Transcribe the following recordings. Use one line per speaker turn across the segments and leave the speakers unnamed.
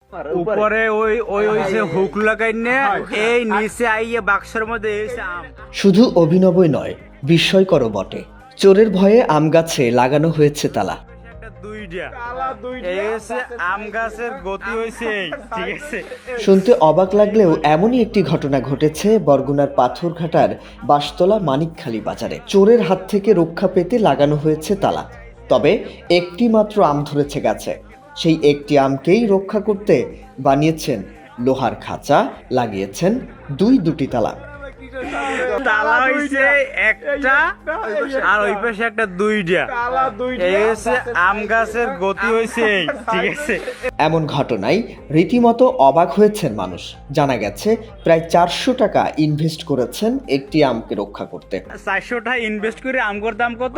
উপরে ওই ওই হইছে হুক লাগাইনে এই নিচে আইয়ে বাক্সের মধ্যে এসে আম।
শুধু অভিনবই নয়, বিস্ময়করও বটে। চোরের ভয়ে আম গাছে লাগানো হয়েছে তালা।
একটা দুইটা এই হচ্ছে আম গাছের গতি হইছে এই, ঠিক আছে।
শুনতে অবাক লাগলেও এমনই একটি ঘটনা ঘটেছে বরগুনার পাথরঘাটার বাঁশতলা মানিকখালী বাজারে। চোরের হাত থেকে রক্ষা পেতে লাগানো হয়েছে তালা। তবে একটি মাত্র আম ধরেছে গাছে। সেই একটি আমকেই রক্ষা করতে বানিয়েছেন লোহার খাঁচা, লাগিয়েছেন দুটি তালা।
তালা হইছে একটা আর ওই পাশে একটা দুইটা এই হচ্ছে আম গাছের গতি হইছে এই, ঠিক আছে।
এমন ঘটনায় রীতিমতো অবাক হয়েছেন মানুষ। জানা গেছে প্রায় 400 টাকা ইনভেস্ট করেছেন একটি আমকে রক্ষা করতে।
400 টাকা ইনভেস্ট করে আমগোর দাম কত?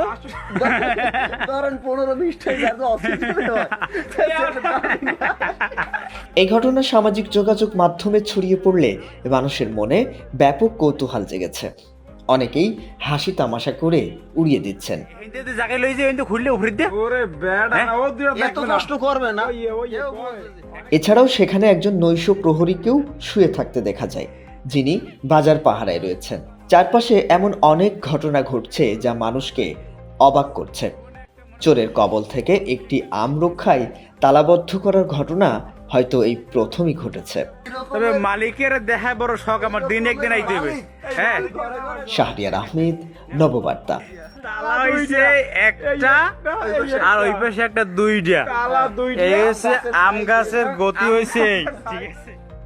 এই ঘটনা সামাজিক যোগাযোগ মাধ্যমে ছড়িয়ে পড়লে মানুষের মনে ব্যাপক কৌতূহল জেগেছে। অনেকেই হাসি তামাশা করে উড়িয়ে দিচ্ছেন।
এতে জায়গায় লই যে কিন্তু খুললে উপরে দে
ওরে বেড়া না, ও দুইটা
এত কষ্ট করবে না।
এছাড়াও সেখানে একজন নৈশ প্রহরীকেও শুয়ে থাকতে দেখা যায়, যিনি বাজার পাহারায় রয়েছেন। চারপাশে এমন অনেক ঘটনা ঘটছে যা মানুষকে অবাক করছে। চোরের কবল থেকে একটি আম রক্ষায় তালাবদ্ধ করার ঘটনা হয়তো এই প্রথমই ঘটেছে।
তবে মালিকের দেখা বড় শখ, আমার দিন একদিন আইতে হবে। হ্যাঁ,
শাহরিয়ার আহমেদ, নববার্তা।
তালা হইছে একটা আর ওই পাশে একটা দুইটা এই হচ্ছে আম গাছের গতি হইছে এই, ঠিক আছে।